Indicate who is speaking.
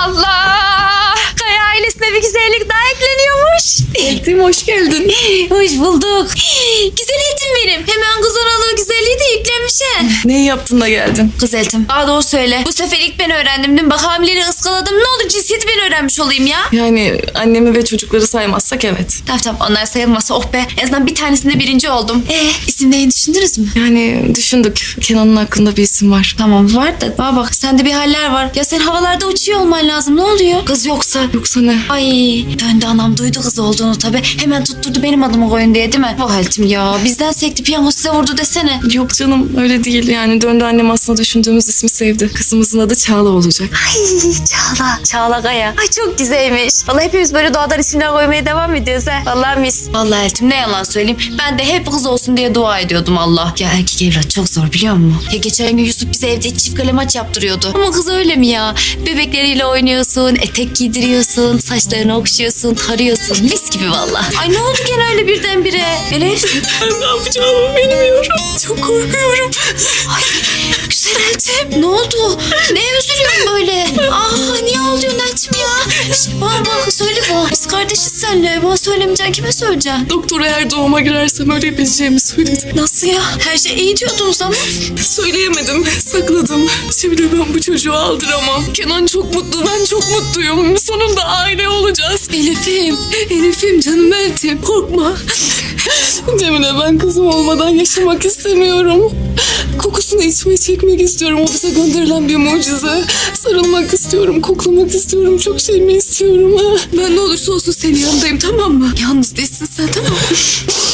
Speaker 1: Allah! Kaya ailesine bir güzellik daha ekleniyormuş.
Speaker 2: Eltim hoş geldin.
Speaker 1: Hoş bulduk. Güzel Eltim benim. Hemen kız analığı güzelliği de yüklenmiş he.
Speaker 2: Neyi yaptın da geldin?
Speaker 1: Kız Eltim, daha doğru söyle. Bu sefer ilk ben öğrendim değil mi? Bak hamileleri ıskaladım. Ne olur cinsiyeti ben öğrenmiş olayım ya.
Speaker 2: Yani annemi ve çocukları saymazsak evet.
Speaker 1: Tamam onlar sayılmasa oh be. En azından bir tanesinde birinci oldum. İsim neyini düşündünüz mü?
Speaker 2: Yani düşündük. Kenan'ın hakkında bir isim var.
Speaker 1: Tamam var da bana bak sende bir haller var. Ya sen havalarda uçuyor olman lazım. Ne oluyor? Kız yoksa.
Speaker 2: Yoksa ne?
Speaker 1: Ay döndü anam duydu kız olduğunu tabii. Hemen tutturdu benim adımı koyun diye değil mi? Bu haltim ya. Bizden sekti piyango size vurdu desene.
Speaker 2: Yok canım öyle değil. Yani döndü annem aslında düşündüğümüz ismi sevdi. Kızımızın adı Çağla olacak.
Speaker 1: Ay Çağla. Çağla Kaya. Ay çok güzelmiş. Vallahi hepimiz böyle doğadan isimler koymaya devam ediyoruz ha. Vallahi mis. Vallahi Eltim ne yalan söyleyeyim. Ben de hep kız olsun diye dua ediyordum Allah. Ya erkek evlat çok zor biliyor musun? Ya geçen gün Yusuf bize evde çift kale maç yaptırıyordu. Ama kız öyle mi ya? Bebekleriyle oynuyorsun, etek giydiriyorsun, saçlarını okşuyorsun, tarıyorsun. Mis gibi vallahi. Ay ne oldu gene öyle birdenbire? Elif.
Speaker 2: Ne yapacağımı bilmiyorum. Çok korkuyorum.
Speaker 1: Ay güzel Eltim. Ne oldu? Neye üzülüyorsun böyle? Niye ağlıyorsun Eltim ya? Bana söyle bana. Biz kardeşiz seninle. Bana söylemeyeceksin kime söyleyeceksin?
Speaker 2: Doktor eğer doğuma girersem ölebileceğimi söyledi.
Speaker 1: Nasıl ya? Her şey iyi diyordunuz ama.
Speaker 2: Söyleyemedim, sakladım. Şimdi ben bu çocuğu aldıramam. Kenan çok mutlu, ben çok mutluyum. Sonunda aile olacağız. Elif'im canım Eltim. Korkma. Cemile ben kızım olmadan yaşamak istemiyorum. Kokusunu içmeyi çekmek istiyorum. O bize gönderilen bir mucize. Sarılmak istiyorum, koklamak istiyorum. Çok şey mi istiyorum ha? Ben ne olursa olsun senin yanındayım tamam mı? Yalnız değilsin sen tamam mı?